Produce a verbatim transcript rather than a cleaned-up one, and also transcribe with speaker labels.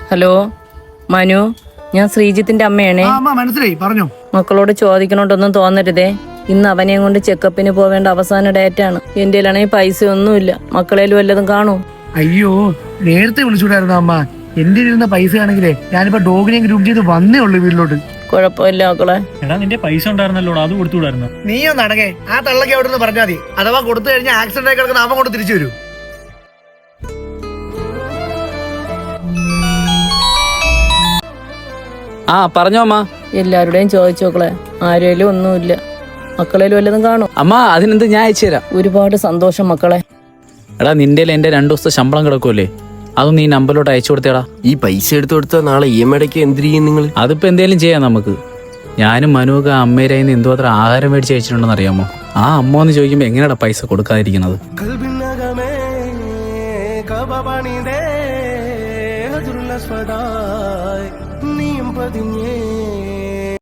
Speaker 1: Hello Manu, ഞാൻ ശ്രീജിത്തിന്റെ അമ്മയാണേ.
Speaker 2: മനസ്സിലായി, പറഞ്ഞോ.
Speaker 1: മക്കളോട് ചോദിക്കണോണ്ടൊന്നും തോന്നരുതേ. ഇന്ന് അവനെയും കൊണ്ട് ചെക്കപ്പിന് പോവേണ്ട അവസാന ഡേറ്റാണ്. എന്റെ കയ്യിലാണെങ്കിൽ പൈസ ഒന്നുമില്ല. മക്കളേലും വല്ലതും കാണൂ.
Speaker 2: അയ്യോ, നേരത്തെ വിളിച്ചുകൂടായിരുന്നു അമ്മ. എന്റെ ഇരുന്ന പൈസ ആണെങ്കിലേ ഞാനിപ്പോ ഡോഗിനെയും ഗ്രൂപ്പ് ചെയ്ത് വന്നേ ഉള്ളു വീട്ടിലോട്ട്.
Speaker 1: കുഴപ്പമില്ല മക്കളെ.
Speaker 3: എടാ നിന്റെ പൈസ ഉണ്ടായിരുന്നല്ലോ, അത് കൊടുത്തുകൂടായിരുന്നു.
Speaker 2: നീ ഒന്ന് അടങ്ങേ. ആ തള്ളക്ക് അവിടെ നിന്ന് പറഞ്ഞാൽ മതി. അഥവാ കൊടുത്തു കഴിഞ്ഞാൽ ആക്സിഡന്റ് ആയി കിടക്കുന്ന അവൻ കൊണ്ട് തിരിച്ചു വരൂ.
Speaker 4: ആ പറഞ്ഞോ അമ്മ.
Speaker 1: എല്ലാവരുടെയും ചോദിച്ചു മക്കളെ, ആരേലും ഒന്നുമില്ല. മക്കളേലും വല്ലതും കാണും.
Speaker 4: അമ്മ അതിനെന്ത്, ഞാൻ അയച്ചു തരാം.
Speaker 1: ഒരുപാട് സന്തോഷം മക്കളെ.
Speaker 4: എടാ നിന്റെ എന്റെ രണ്ടു ദിവസത്തെ ശമ്പളം കിടക്കുമല്ലേ, അതൊന്നും ഈ നമ്പറിലോട്ട് അയച്ചു കൊടുത്തേടാ.
Speaker 5: ഈ പൈസ എടുത്തു കൊടുത്താൽ നാളെ ഇ എം ഐടക്ക് എന്ത് ചെയ്യും നിങ്ങൾ?
Speaker 4: അതിപ്പോ എന്തേലും ചെയ്യാം നമുക്ക്. ഞാനും മനുവൊക്കെ അമ്മേരായിന്ന് എന്തോ അത്ര ആഹാരം മേടിച്ച് അയച്ചിട്ടുണ്ടെന്ന് അറിയാമോ? ആ അമ്മ എന്ന് ചോദിക്കുമ്പോ എങ്ങനെയാ പൈസ കൊടുക്കാതിരിക്കുന്നത്?
Speaker 5: നീയും പതിഞ്ഞേ